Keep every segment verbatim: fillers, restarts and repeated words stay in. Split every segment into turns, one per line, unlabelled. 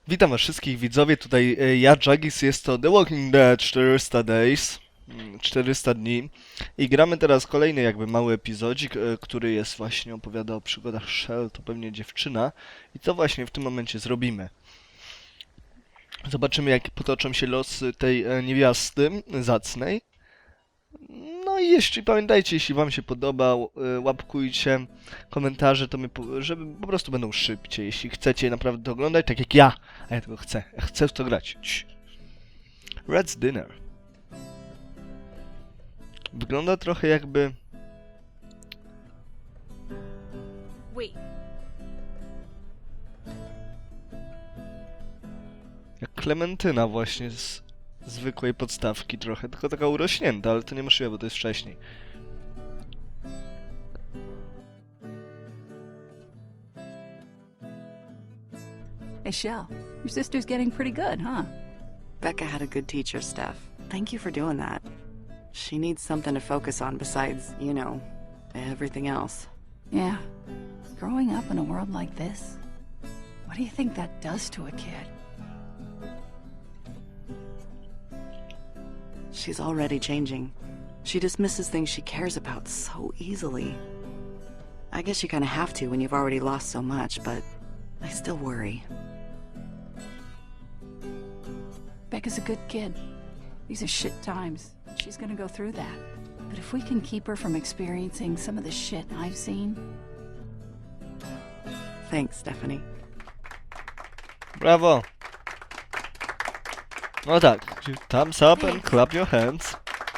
Witam was wszystkich widzowie, tutaj e, ja, Jagis, jest to The Walking Dead czterysta Days, mm, czterysta dni i gramy teraz kolejny jakby mały epizodzik, e, który jest właśnie opowiada o przygodach Shell, to pewnie dziewczyna i co właśnie w tym momencie zrobimy. Zobaczymy jak potoczą się losy tej e, niewiasty zacnej. No i jeśli pamiętajcie, jeśli wam się podobał, e, łapkujcie komentarze, to my, po, żeby po prostu będą szybciej. Jeśli chcecie naprawdę to oglądać, tak jak ja, a ja tego chcę, ja chcę w to grać. Cii. Red's Dinner. Wygląda trochę jakby...
Wait,
jak Klementyna właśnie z zwykłej podstawki trochę, tylko taka urośnięta, ale to niemożliwe, bo to jest wcześniej.
Hey, Shell, your sister's getting pretty good, huh?
Becca had a good teacher, Steph. Thank you for doing that. She needs something to focus on besides, you know, everything else.
Yeah. Growing up in a world like this, what do you think that does to a kid?
She's already changing. She dismisses things she cares about so easily. I guess you kind of have to when you've already lost so much, but I still worry.
Becca's a good kid. These are shit times. She's gonna go through that. But if we can keep her from experiencing some of the shit I've seen...
Thanks, Stephanie.
Brawo! No tak, thumbs up and clap your hands.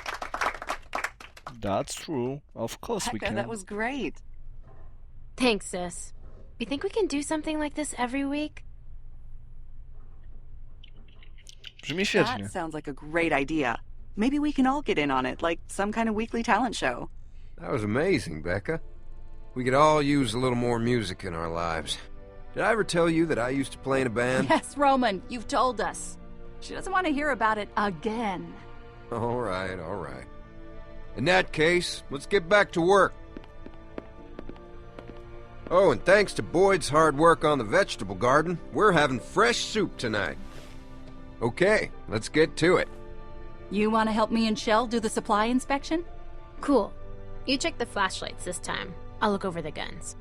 That's true. Of course we
Becca,
can.
that was great.
thanks, sis. You think we can do something like this every week?
Brzmi świetnie.
That sounds like a great idea. Maybe we can all get in on it, like some kind of weekly talent show.
That was amazing, Becca. We could all use a little more music in our lives. Did I ever tell you that I used to play in a band?
Yes, Roman, you've told us. She doesn't want to hear about it again.
All right, all right. In that case, let's get back to work. Oh, and thanks to Boyd's hard work on the vegetable garden, we're having fresh soup tonight. Okay, let's get to it.
You want to help me and Shell do the supply inspection?
Cool. You check the flashlights this time. I'll look over the guns.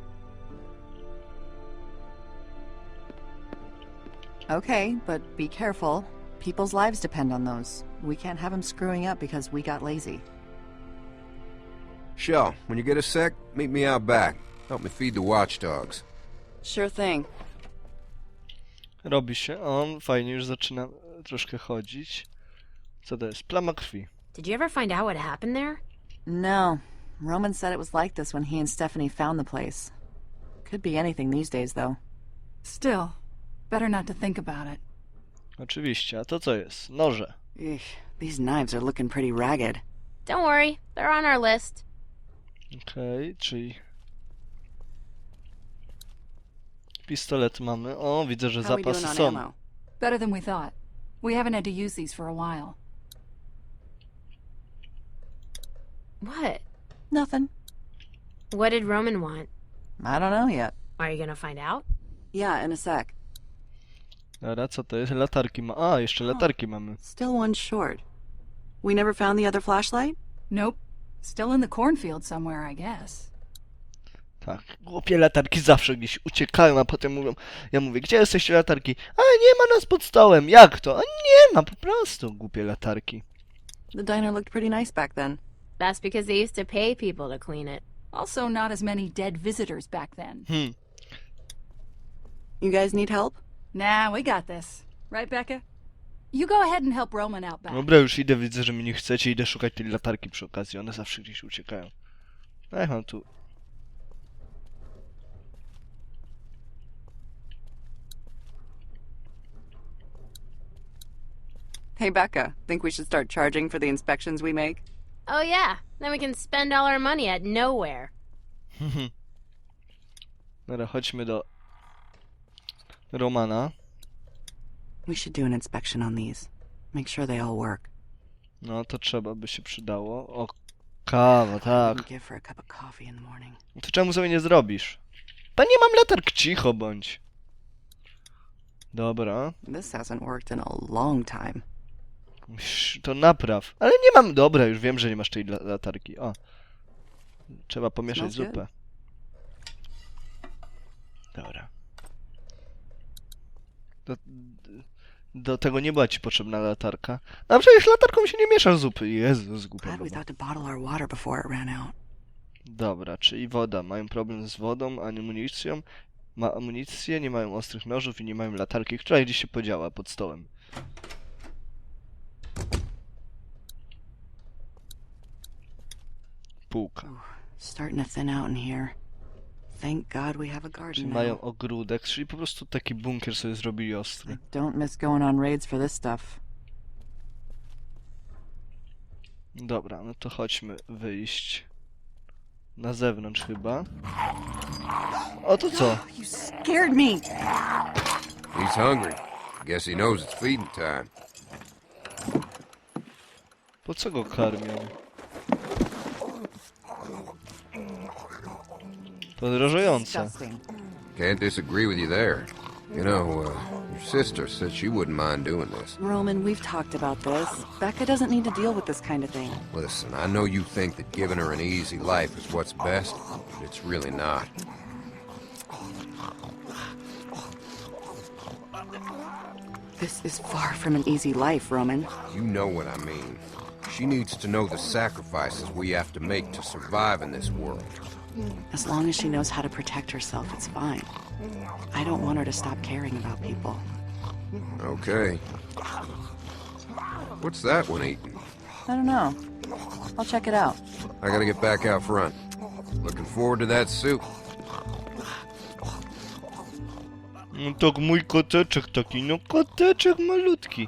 Okay, but be careful. People's lives depend on those. We can't have them screwing up because we got lazy.
Shell, when you get a sec, meet me out back. Help me feed the watchdogs.
Sure thing.
Robi się. On fajnie już zaczyna troszkę chodzić. Co to jest? Plama krwi.
Did you ever find out what happened there?
No. Roman said it was like this when he and Stephanie found the place. Could be anything these days, though.
Still, better not to think about it.
Oczywiście. A to co jest? Noże.
Eugh, these knives are looking pretty ragged.
Don't worry, they're on our list.
Okej, okay, czyli... Pistolet mamy. O, widzę, że
How are we doing
zapasy
on
są.
ammo?
Better than we thought. We haven't had to use these for a while.
What?
Nothing.
What did Roman want?
I don't know yet.
Are you gonna find out?
Yeah, in a sec.
Dobra, co to jest? Latarki ma... A, jeszcze latarki mamy.
Still one short. We never found the other flashlight?
Nope. Still in the cornfield somewhere, I guess.
Tak, głupie latarki zawsze gdzieś uciekają, a potem mówią... Ja mówię, gdzie jesteście latarki? A, nie ma nas pod stołem. Jak to? A nie ma, po prostu. Głupie latarki.
The diner looked pretty nice back then.
That's because they used to pay people to clean it.
Also, not as many dead visitors back then.
Hmm.
You guys need help?
Nah, we got this. Right, Becca? You go ahead and help Roman out back.
Dobra, już idę, widzę, że mnie nie chcecie. Idę szukać tej latarki przy okazji. One zawsze gdzieś uciekają. A jak mam tu...
Hey, Becca, think we should start charging for the inspections we make?
Oh yeah, then we can spend all our money at nowhere.
Dobra, chodźmy do... Romana.
We should do an inspection on these. Make sure they all work.
No, to trzeba by się przydało. O, kawa, tak.
Wouldn't give for a cup of coffee in the morning.
To czemu sobie nie zrobisz? To nie mam latark, cicho bądź. Dobra.
This hasn't worked in a long time.
Sz, To napraw. Ale nie mam... Dobra, już wiem, że nie masz tej la- latarki. O. Trzeba pomieszać
Smells good.
zupę. Dobra. Do, do tego nie była ci potrzebna latarka. A przecież latarką się nie miesza zupy. Jezus, głupia
Glad we
baba.
thought to bottle our water before it ran out.
Dobra, czyli woda. Mają problem z wodą, amunicją. Ma amunicję, nie mają ostrych nożów i nie mają latarki, która gdzieś się podziała pod stołem. Półka.
Starting to thin out in here. Thank God we have a
Czyli
garden
mają
now.
ogródek, czyli po prostu taki bunkier sobie zrobili ostry.
I don't miss going on raids for this stuff.
Dobra, no to chodźmy wyjść. Na zewnątrz chyba. O, to co?
You scared me!
He's hungry. Guess he knows it's feeding time.
Po co go karmią? Podrożające.
Disgusting.
Can't disagree with you there. You know, uh, your sister said she wouldn't mind doing this.
Roman, we've talked about this. Becca doesn't need to deal with this kind of thing.
Listen, I know you think that giving her an easy life is what's best, but it's really not.
This is far from an easy life, Roman.
You know what I mean. She needs to know the sacrifices we have to make to survive in this world.
As long as she knows how to protect herself, it's fine. I don't want her to stop caring about people.
Okay. What's that one eating?
I don't know. I'll check it out.
I gotta get back out front. Looking forward to that soup.
No tak, mój koteczek taki, no koteczek malutki.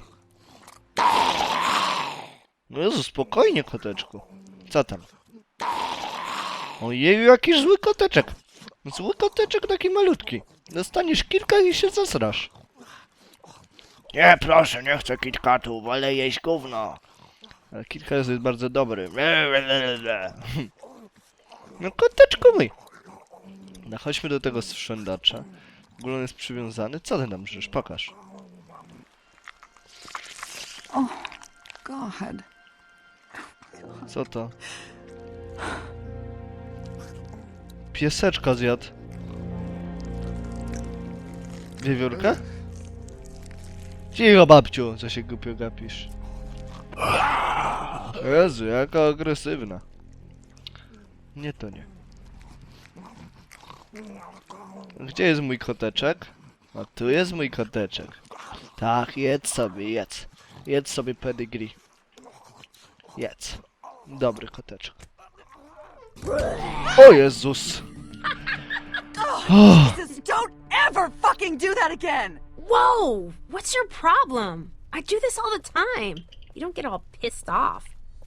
No Jezu, spokojnie, koteczku. Co tam? Ojeju, jakiś zły koteczek. Zły koteczek taki malutki. Dostaniesz kilka i się zasrasz. Nie, proszę, nie chcę KitKatu, wolę jeść gówno. Ale KitKat jest bardzo dobry. No koteczku mój. No chodźmy do tego sprządacza. W ogóle on jest przywiązany. Co ty tam żyjesz? Pokaż.
God.
Co to? Pieseczka zjadł. Wiewiórka? Cicho, babciu, co się głupio gapisz. Jezu, jaka agresywna. Nie, to nie. Gdzie jest mój koteczek? A tu jest mój koteczek. Tak, jedz sobie, jedz. Jedz sobie pedigree. Jedz. Dobry koteczek. O Jezus!
Jesus, don't ever fucking do that again!
Whoa! What's your problem? I do this all the time. You don't get all pissed off.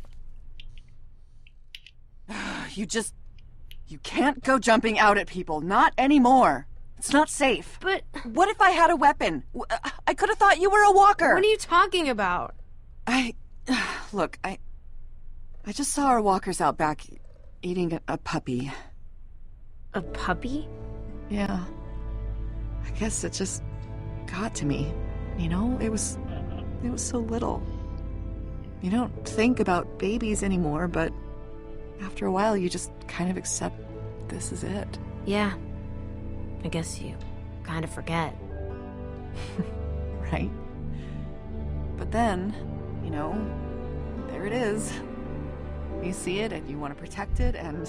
You just... You can't go jumping out at people. Not anymore. It's not safe.
But
What if I had a weapon? W- I could have thought you were a walker.
what are you talking about?
I... Look, I... I just saw our walkers out back eating a, a puppy.
A puppy?
Yeah. I guess it just got to me. You know, it was... It was so little. You don't think about babies anymore, but after a while you just kind of accept this is it.
Yeah. I guess you kind of forget.
Right? But then, you know, there it is. You see it and you want to protect it and...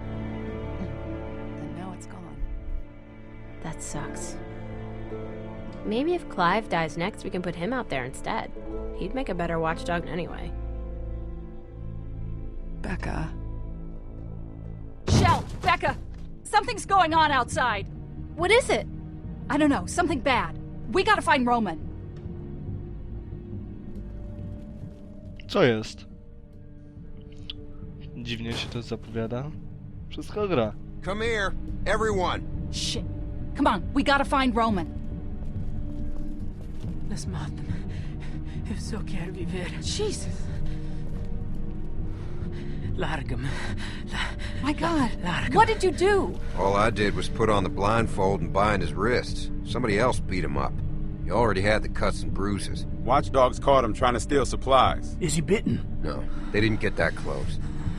And now it's gone.
That sucks. Maybe if Clive dies next, we can put him out there instead. He'd make a better watchdog anyway.
Becca.
Shell, Becca, something's going on outside.
What is it?
I don't know, something bad. We gotta find Roman.
Co jest? Dziwnie się to zapowiada. Wszystko gra.
Come here, everyone.
Shit. Come on, we gotta find Roman. Las matam. Eu só quero viver. Jesus.
Larga-me.
My God.
Larga-me.
What did you do?
All I did was put on the blindfold and bind his wrists. Somebody else beat him up. You already had the cuts and bruises.
Watchdogs caught him trying to steal supplies.
Is he bitten?
No, they didn't get that close.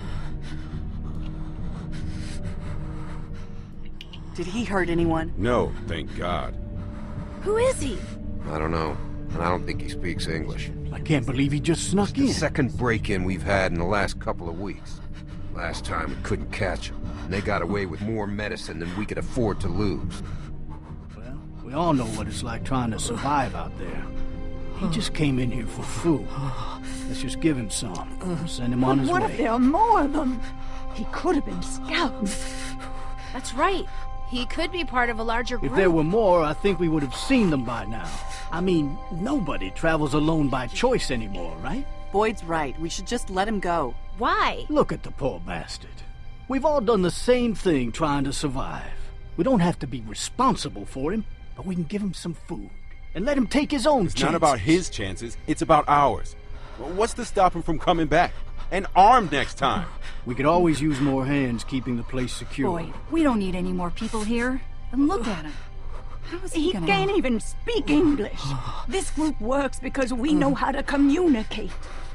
Did he hurt anyone?
No, thank God.
Who is he?
I don't know, and I don't think he speaks English.
I can't believe he just snuck
The
in.
second break-in we've had in the last couple of weeks. Last time we couldn't catch him, and they got away with more medicine than we could afford to lose.
Well, we all know what it's like trying to survive out there. He just came in here for food. Let's just give him some. Send him on his
What
way.
if there are more of them? He could have been scouting.
That's right. He could be part of a larger group.
If there were more, I think we would have seen them by now. I mean, nobody travels alone by choice anymore, right?
Boyd's right. We should just let him go.
Why?
Look at the poor bastard. We've all done the same thing trying to survive. We don't have to be responsible for him, but we can give him some food and let him take his own
It's
chances.
not about his chances, it's about ours. What's to stop him from coming back? And armed next time.
We could always use more hands keeping the place secure.
Boyd, we don't need any more people here. And look at him.
How is he,
He
gonna...
can't even speak English. This group works because we know how to communicate.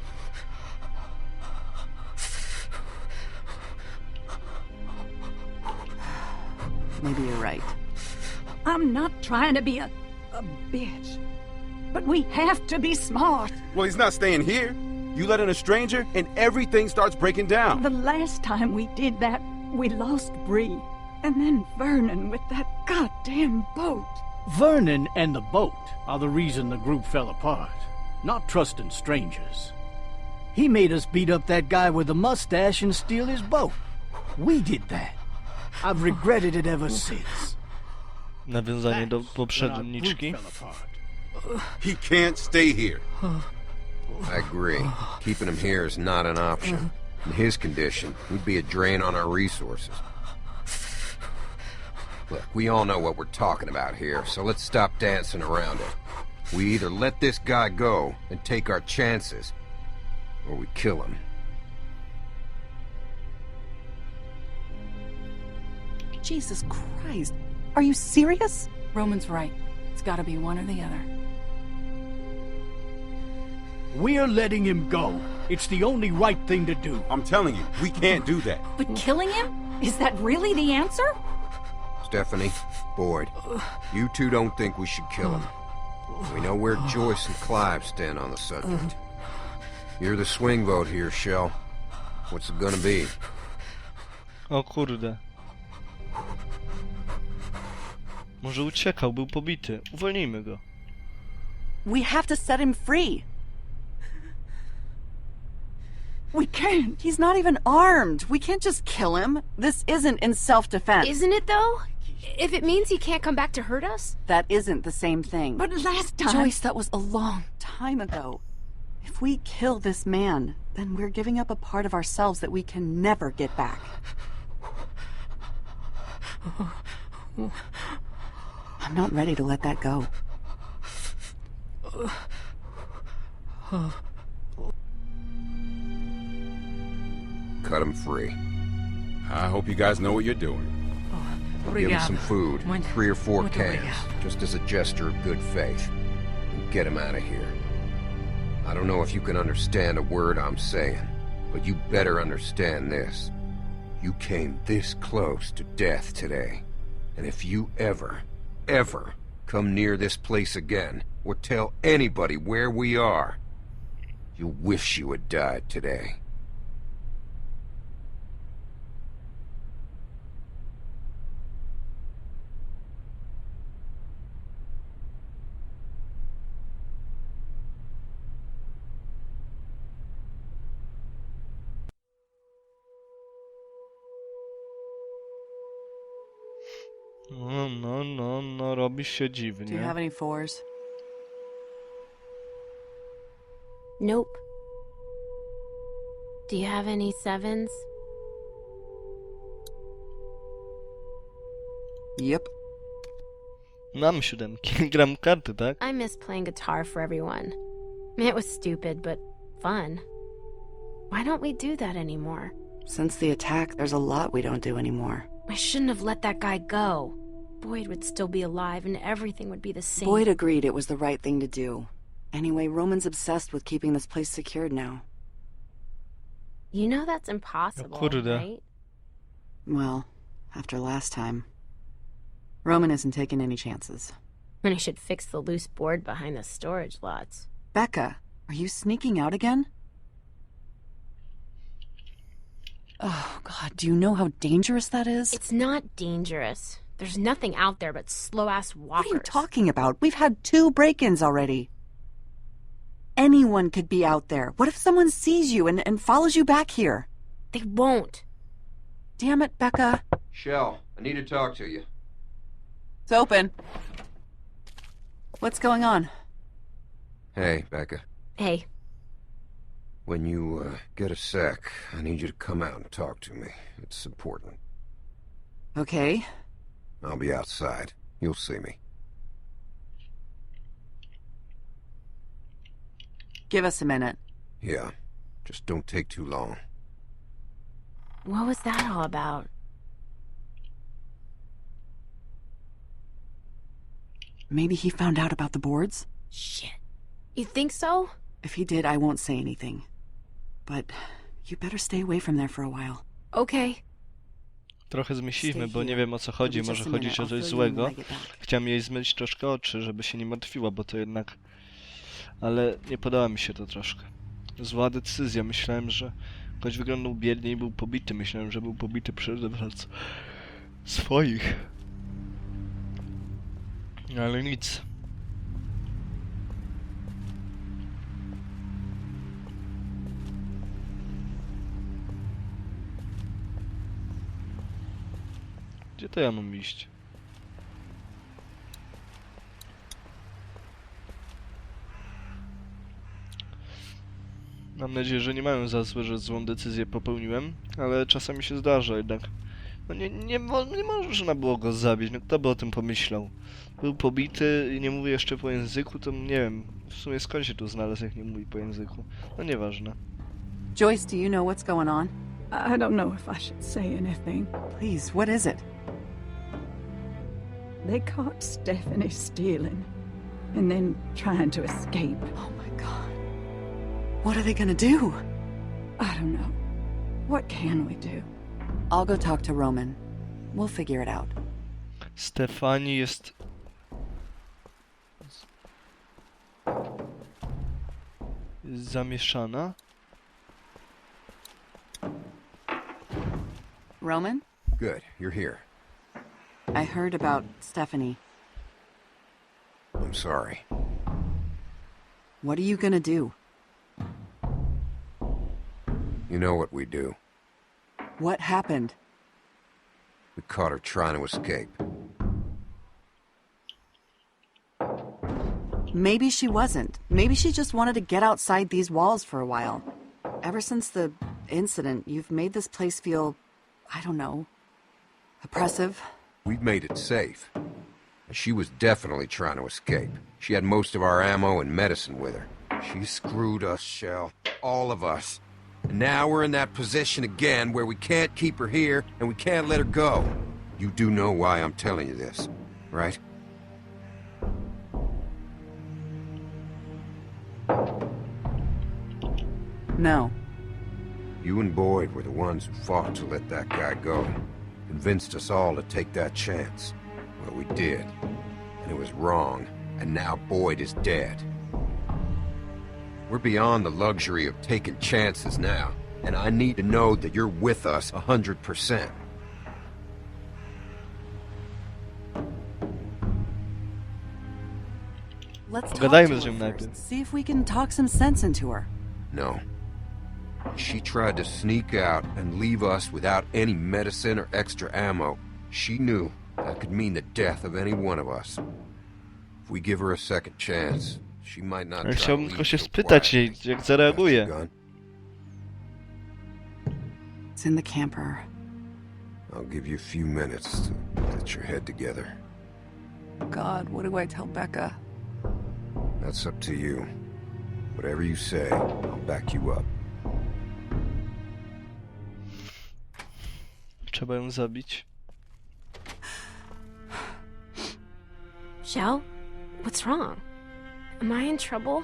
Maybe you're right.
I'm not trying to be a, a bitch. But we have to be smart.
Well, he's not staying here. You let in a stranger, and everything starts breaking down.
The last time we did that, we lost Bree. And then Vernon with that goddamn boat.
Vernon and the boat are the reason the group fell apart, not trusting strangers. He made us beat up that guy with the mustache and steal his boat. We did that. I've regretted it ever since.
Nawiązanie do
That's when our
poprzedniczki.
group fell apart.
He can't stay here.
I agree. Keeping him here is not an option. In his condition, he'd be a drain on our resources. Look, we all know what we're talking about here, so let's stop dancing around it. We either let this guy go and take our chances, or we kill him.
Jesus Christ. Are you serious?
Roman's right. It's gotta be one or the other.
We're letting him go. It's the only right thing to do.
I'm telling you, we can't do that.
But killing him? Is that really the answer?
Stephanie, Boyd, you two don't think we should kill him. We know where Joyce and Clive stand on the subject. You're the swing vote here, Shell. What's it gonna be?
O kurde. Może uciekał, był pobity. Uwolnijmy go.
We have to set him free.
We can't.
He's not even armed. We can't just kill him. This isn't in self-defense.
Isn't it, though? If it means he can't come back to hurt us?
That isn't the same thing.
But last time...
Joyce, that was a long time ago. If we kill this man, then we're giving up a part of ourselves that we can never get back. I'm not ready to let that go.
Cut him free.
I hope you guys know what you're doing.
Give him some food, three or four cans, just as a gesture of good faith. And get him out of here. I don't know if you can understand a word I'm saying, but you better understand this. You came this close to death today. And if you ever, ever come near this place again, or tell anybody where we are, you'll wish you had died today.
No, no, no, no, robi się
Do you
dziwnie.
have any fours?
Nope. Do you have any sevens?
Yep.
Mam siódemki, gram karty, tak?
I miss playing guitar for everyone. It was stupid, but fun. Why don't we do that anymore?
Since the attack, there's a lot we don't do anymore.
I shouldn't have let that guy go. Boyd would still be alive and everything would be the same.
Boyd agreed it was the right thing to do. Anyway, Roman's obsessed with keeping this place secured now.
You know that's impossible,
kurde.
right?
Well, after last time, Roman isn't taking any chances.
And I should fix the loose board behind the storage lots.
Becca, are you sneaking out again? Oh, God, do you know how dangerous that is?
It's not dangerous. There's nothing out there but slow-ass walkers.
What are you talking about? We've had two break-ins already. Anyone could be out there. What if someone sees you and, and follows you back here?
They won't.
Damn it, Becca.
Shell, I need to talk to you.
It's open. What's going on?
Hey, Becca.
Hey,
When you uh, get a sec, I need you to come out and talk to me. It's important.
Okay.
I'll be outside. You'll see me.
Give us a minute.
Yeah, just don't take too long.
what was that all about?
Maybe he found out about the boards?
Shit. You think so?
If he did, I won't say anything. But you better stay away from there for a while.
Okay.
Trochę zmyślimy, bo nie wiem o co chodzi, może chodzić o coś złego. Chciałem jej zmyć troszkę oczy, żeby się nie martwiła, bo to jednak... Ale nie podoba mi się to troszkę. Zła decyzja, myślałem, że ktoś wyglądał biednie i był pobity. Myślałem, że był pobity przez swoich. Ale nic. Gdzie to ja mam iść? Mam nadzieję, że nie mają za złe, że złą decyzję popełniłem, ale czasami się zdarza jednak. No nie, nie, mo nie można było go zabić, no kto by o tym pomyślał? Był pobity i nie mówi jeszcze po języku, to nie wiem, w sumie skąd się tu znalazł, jak nie mówi po języku. No nieważne.
Joyce, do you know what's going on?
I don't know if I should say anything.
Please, what is it?
They caught Stephanie stealing and then trying to escape.
Oh my God. What are they gonna do?
I don't know. What can we do?
I'll go talk to Roman. We'll figure it out.
Stefani jest... jest zamieszana.
Roman?
Good, you're here.
I heard about Stephanie.
I'm sorry.
What are you gonna do?
You know what we do.
What happened?
We caught her trying to escape.
Maybe she wasn't. Maybe she just wanted to get outside these walls for a while. Ever since the incident, you've made this place feel, I don't know, oppressive.
We've made it safe. She was definitely trying to escape. She had most of our ammo and medicine with her. She screwed us, Shell. All of us. And now we're in that position again where we can't keep her here and we can't let her go. You do know why I'm telling you this, right?
No.
You and Boyd were the ones who fought to let that guy go. Convinced us all to take that chance. Well, we did. And it was wrong. And now Boyd is dead. We're beyond the luxury of taking chances now. And I need to know that you're with us a hundred percent.
Let's talk
Pogadajmy
to
z
her
nią
first.
najpierw.
See if we can talk some sense into her.
No. She tried to sneak out and leave us without any medicine or extra ammo. She knew that could mean the death of any one of us. If we give her a second chance, she might not
Ale
try to
chciałbym
leave
tylko się
so
spytać jej,
quietly.
jak zareaguje.
Got your gun?
It's in the camper.
I'll give you a few minutes to get your head together.
God, what do I tell Becca?
That's up to you. Whatever you say, I'll back you up.
Trzeba ją zabić.
Shell? What's wrong? Am I in trouble?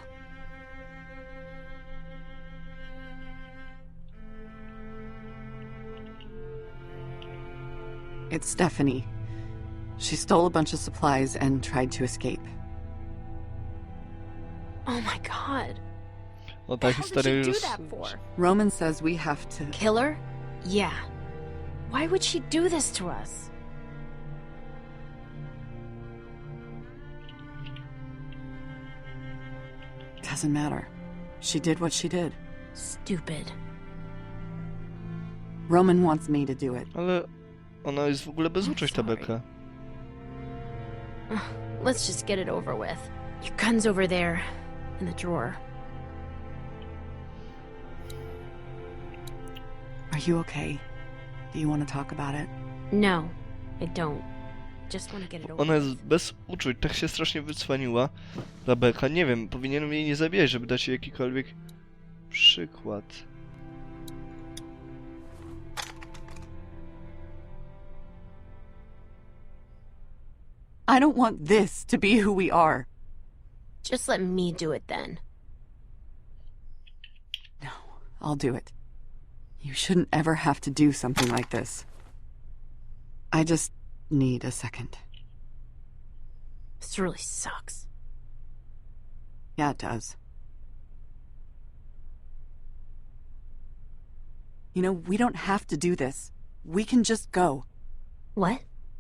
It's Stephanie. She stole a bunch of supplies and tried to escape.
Oh my god.
O ta
How did
historia
she do
już...
that for?
Roman says we have to...
Kill her? Yeah. Why would she do this to us?
Doesn't matter. She did what she did.
Stupid.
Roman wants me to do it.
Ale ona jest w ogóle bezuczuć, ta
Sorry.
beka.
Ugh, let's just get it over with. Your gun's over there, in the drawer.
Are you okay? Do you want to talk about it?
No, I don't. Just want to get it over
Ona jest
with.
bez uczuć, tak się strasznie wycwaniła. Ta beka, nie wiem, powinienem jej nie zabijać, żeby dać jej jakikolwiek przykład.
I don't want this to be who we are.
Just let me do it then.
No, I'll do it. You shouldn't ever have to do something like this. I just need a second.
This really sucks.
Yeah, it does. You know, we don't have to do this. We can just go.
What?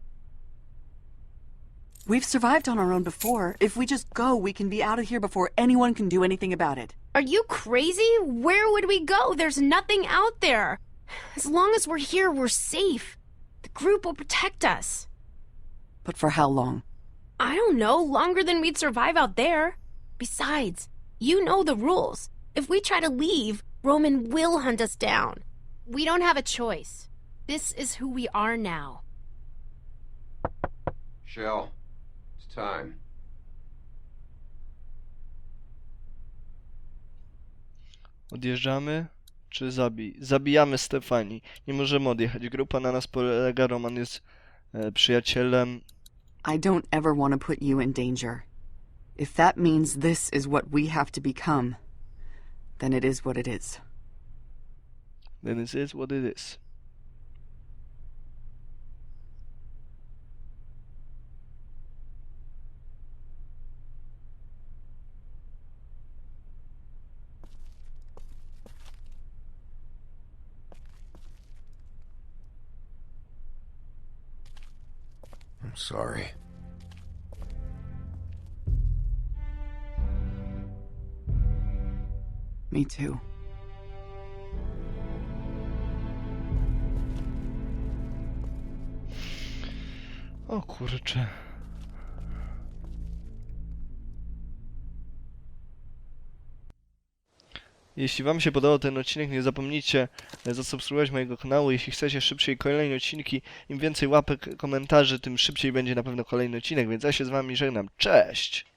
We've survived on our own before. If we just go, we can be out of here before anyone can do anything about it.
Are you crazy? Where would we go? There's nothing out there. As long as we're here, we're safe. The group will protect us.
But for how long?
I don't know, longer than we'd survive out there. Besides, you know the rules. If we try to leave, Roman will hunt us down. We don't have a choice. This is who we are now.
Shell, it's time.
Odjeżdżamy? Czy zabij? Zabijamy Stefani. Nie możemy odjechać. Grupa na nas polega. Roman jest e, przyjacielem.
I don't ever want to put you in danger. If that means this is what we have to become, then it is what it is.
Then it is what it is.
I'm sorry.
Me too.
O kurczę. Jeśli wam się podobał ten odcinek, nie zapomnijcie zasubskrybować mojego kanału. Jeśli chcecie szybciej kolejne odcinki, im więcej łapek, komentarzy, tym szybciej będzie na pewno kolejny odcinek, więc ja się z wami żegnam. Cześć!